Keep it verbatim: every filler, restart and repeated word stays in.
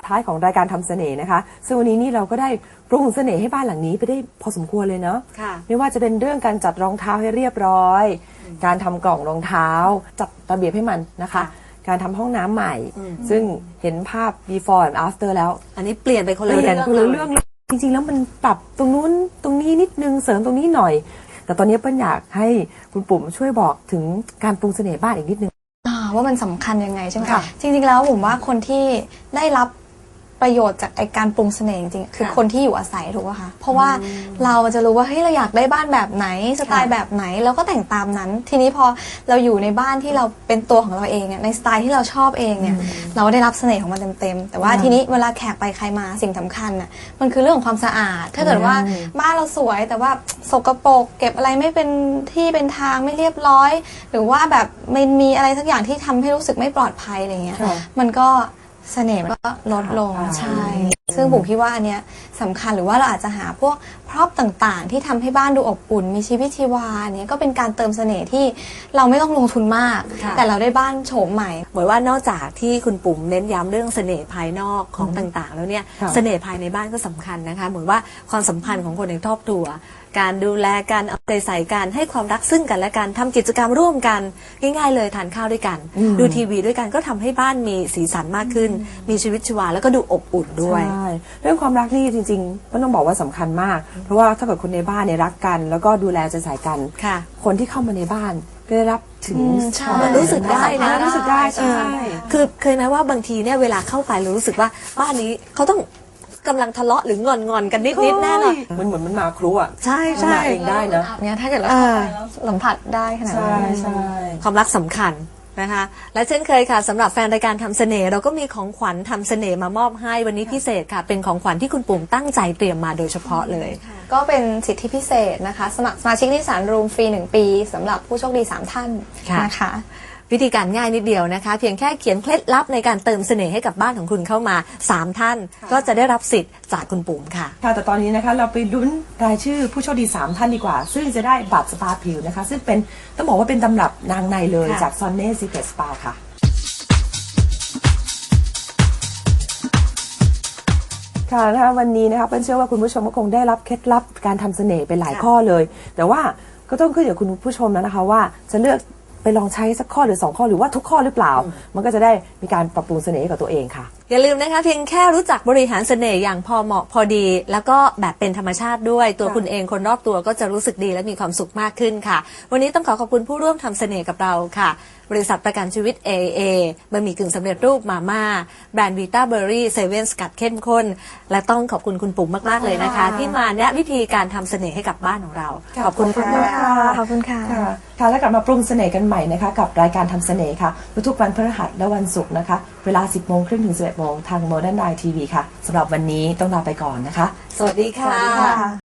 ท้ายของรายการทำเสน่ห์นะคะซึ่งวันนี้นี่เราก็ได้ปรุงเสน่ห์ให้บ้านหลังนี้ไปได้พอสมควรเลยเนาะไม่ว่าจะเป็นเรื่องการจัดรองเท้าให้เรียบร้อยการทำกล่องรองเท้าจัดระเบียบให้มันนะคะการทำห้องน้ำใหม่ซึ่งเห็นภาพ before and after แล้วอันนี้เปลี่ยนไปคนละเรื่องคนละเรื่องจริงๆแล้วมันปรับตรงนู้นตรงนี้นิดนึงเสริมตรงนี้หน่อยแต่ตอนนี้เปิ้ลอยากให้คุณปุ๋มช่วยบอกถึงการปรุงเสน่ห์บ้านอีกนิดนึงว่ามันสำคัญยังไงใช่ไหมคะจริงๆแล้วผมว่าคนที่ได้รับประโยชน์จากไอการปรุงเสน่ห์จริงๆคือคนที่อยู่อาศัยถูกป่ะคะเพราะว่าเราจะรู้ว่าเฮ้ยเราอยากได้บ้านแบบไหนสไตล์แบบไหนเราก็แต่งตามนั้นทีนี้พอเราอยู่ในบ้านที่เราเป็นตัวของเราเองในสไตล์ที่เราชอบเองเนี่ยเราได้รับเสน่ห์ของมันเต็มๆแต่ว่าทีนี้เวลาแขกไปใครมาสิ่งสำคัญน่ะมันคือเรื่องของความสะอาดถ้าเกิดว่าบ้านเราสวยแต่ว่าสกปรกเก็บอะไรไม่เป็นที่เป็นทางไม่เรียบร้อยหรือว่าแบบมันมีอะไรสักอย่างที่ทำให้รู้สึกไม่ปลอดภัยอะไรเงี้ยมันก็เสน่ห์มันก็ลดลงใช่ซึ่งผมคิดว่าอันเนี้ยสำคัญหรือว่าเราอาจจะหาพวกพร็อพต่างๆที่ทำให้บ้านดูอบอุ่นมีชีวิตชีวาเนี้ยก็เป็นการเติมเสน่ห์ที่เราไม่ต้องลงทุนมากแต่เราได้บ้านโฉมใหม่เหมือนว่านอกจากที่คุณปุ๋มเน้นย้ำเรื่องเสน่ห์ภายนอกของต่างๆแล้วเนี่ยเสน่ห์ภายในบ้านก็สำคัญนะคะเหมือนว่าความสัมพันธ์ของคนในครอบครัวการดูแลการเอาใจใส่กันให้ความรักซึ่งกันและกันทำกิจกรรมร่วมกันง่ายๆเลยทานข้าวด้วยกันดูทีวีด้วยกันก็ทำให้บ้านมีสีสันมากขึ้นมีชีวิตชีวาแล้วก็ดูอบอุ่นด้วยใช่เรื่องความรักนี่จริงๆก็ต้องบอกว่าสำคัญมากเพราะว่าถ้าเกิดคนในบ้านเนี่ยรักกันแล้วก็ดูแลใจใส่กันคนที่เข้ามาในบ้านก็ได้รับถึงรู้สึกได้นะรู้สึกได้ใช่คือเคยไหมว่าบางทีเนี่ยเวลาเข้าไปเรารู้สึกว่าบ้านนี้เขาต้องกำลังทะเลาะหรืองอนงอนกันนิดนิดแน่เลยมันเหมือนมันมาครัวใช่ใช่เองได้นะเนี่ยถ้าเกิดเราเข้าไปแล้วสัมผัสได้ขนาดนั้นใช่ความรักสำคัญนะคะและเช่นเคยค่ะสำหรับแฟนรายการทำเสน่ห์เราก็มีของขวัญทำเสน่ห์มามอบให้วันนี้พิเศษค่ะเป็นของขวัญที่คุณปุ๋มตั้งใจเตรียมมาโดยเฉพาะเลยก็เป็นสิทธิพิเศษนะคะสมัครสมาชิกนิสสันรูมฟรีหนึ่งปีสำหรับผู้โชคดีสามท่านนะคะวิธีการง่ายนิดเดียวนะคะเพียงแค่เขียนเคล็ดลับในการเติมเสน่ห์ให้กับบ้านของคุณเข้ามาสามท่านก็จะได้รับสิทธิ์จากคุณปุ๋มค่ะค่ะแต่ตอนนี้นะคะเราไปลุ้นรายชื่อผู้โชคดีสามท่านดีกว่าซึ่งจะได้บัตรสปาผิวนะคะซึ่งเป็นต้องบอกว่าเป็นตำรับนางในเลยจากซอนเน่ซีเครตสปาค่ะค่ะนะคะวันนี้นะคะเปิ้ลเชื่อว่าคุณผู้ชมก็คงได้รับเคล็ดลับการทำเสน่ห์ไปหลายข้อเลยแต่ว่าก็ต้องขึ้นอยู่กับคุณผู้ชมแล้วนะคะว่าจะเลือกไปลองใช้สักข้อหรือสองข้อหรือว่าทุกข้อหรือเปล่ามันก็จะได้มีการปรับปรุงเสน่ห์กับตัวเองค่ะอย่าลืมนะคะเพียงแค่รู้จักบริหารเสน่ห์อย่างพอเหมาะพอดีแล้วก็แบบเป็นธรรมชาติด้วยตัวคุณเองคนรอบตัวก็จะรู้สึกดีและมีความสุขมากขึ้นค่ะวันนี้ต้องขอขอบคุณผู้ร่วมทำเสน่ห์กับเราค่ะบริษัทประกันชีวิต เอ เอ บะหมี่กึ่งสำเร็จรูปมาม่าแบรนด์วีต้าเบอร์รี่เซเว่นสกัดเข้มข้นและต้องขอบคุณคุณปุ๋มมากๆเลยนะคะที่มาแนะวิธีการทำเสน่ห์ให้กับบ้านของเราขอบคุณค่ะขอบคุณค่ะค่ะแล้วกลับมาปรุงเสน่ห์กันใหม่นะคะกับรายการทำเสน่ห์ค่ะทุกวันพฤหัสและวันศุกร์นะคะเวลา สิบโมงครึ่งถึง สิบเอ็ดโมงทาง Modern Night ที วี ค่ะสำหรับวันนี้ต้องลาไปก่อนนะคะสวัสดีค่ะ